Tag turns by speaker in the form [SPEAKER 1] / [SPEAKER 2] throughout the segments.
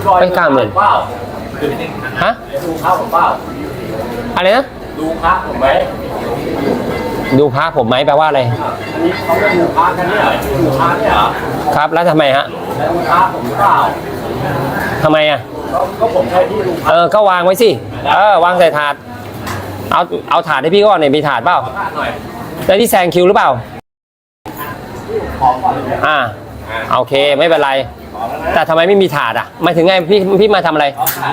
[SPEAKER 1] ไม่90,000
[SPEAKER 2] เปล่า
[SPEAKER 1] ฮะ
[SPEAKER 2] ดูพระผมเปล่า
[SPEAKER 1] อะไรนะ
[SPEAKER 2] ดูพระผมไหม
[SPEAKER 1] ดูพระผมไหมแปลว่าอะไร
[SPEAKER 2] อันนี้เขาจะดูพระกันเนี่ยดูพระเนี่ยเหรอ
[SPEAKER 1] ครับแล้วทำไมฮะ
[SPEAKER 2] แล้วดูพระผมหรือเปล่า
[SPEAKER 1] ทำไมอ่ะ
[SPEAKER 2] ก็ผมใช้ที่ดูพระ
[SPEAKER 1] ก็วางไว้สิวางใส่ถาดเอาถาดให้พี่ก่อนเนี่ยมีถาดเปล่าแล้วที่แซงคิวหรือเปล่าโอเคไม่เป็นไรแต่ทำไมไม่มีถาดอ่ะหมายถึงไงพี่มาทำอะไร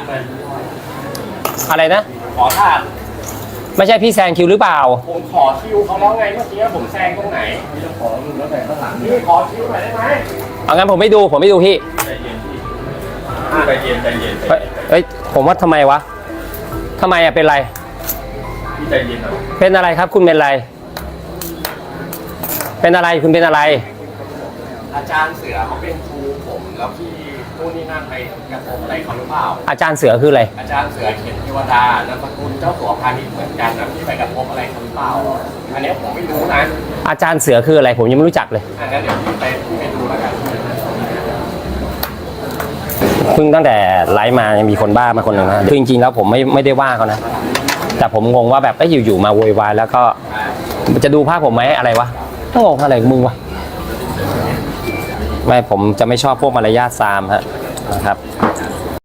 [SPEAKER 1] อะไรนะ
[SPEAKER 2] ขอถาด
[SPEAKER 1] ไม่ใช่พี่แซงคิวหรือเปล่า
[SPEAKER 2] ผมขอคิวเขาแล้วไงเมื่อกี้ผมแซงตรงไหนพี่จะขอแล้วแต่ข้างหลังนี่ขอคิวหน่อยได้ไหม
[SPEAKER 1] เอางั้นผมไม่ดูพี่
[SPEAKER 2] ใจเย็น
[SPEAKER 1] เฮ้ยผมว่าทำไมวะทำไมอะเป็นไร
[SPEAKER 2] พี่ใจเย็นหน่อย
[SPEAKER 1] เป็นอะไรครับคุณเป็นอะไรเป็นอะไรคุณเป็นอะไร
[SPEAKER 2] อาจารย์เสือเขาเป็นครูผมแล้วพี่นู่นนี่นั่นไปกระทบอะไรเขาหรือเปล่า
[SPEAKER 1] อาจารย์เสือคืออะไร
[SPEAKER 2] อาจารย์เสือเขียนเทวดานามสกุลเจ้าสัวพาณิชย์เหมือนกันนะพี่ไปกระทบอะไรเขาหรือเปล่าอันนี้ผมไม่รู้นะ
[SPEAKER 1] อาจารย์เสือคืออะไรผมยังไม่รู้จักเลย
[SPEAKER 2] งั้นเดี๋ยวพี่ไปดูแล้วกัน
[SPEAKER 1] เพิ่งตั้งแต่ไลฟ์มายังมีคนบ้ามาคนหนึ่งนะคือจริงๆแล้วผมไม่ได้ว่าเขานะแต่ผมงงว่าแบบอยู่ๆมาโวยวายแล้วก็จะดูภาพผมไหมอะไรวะต้องงงอะไรมึงวะไม่ผมจะไม่ชอบพวกมารยาทซามฮะนะครับ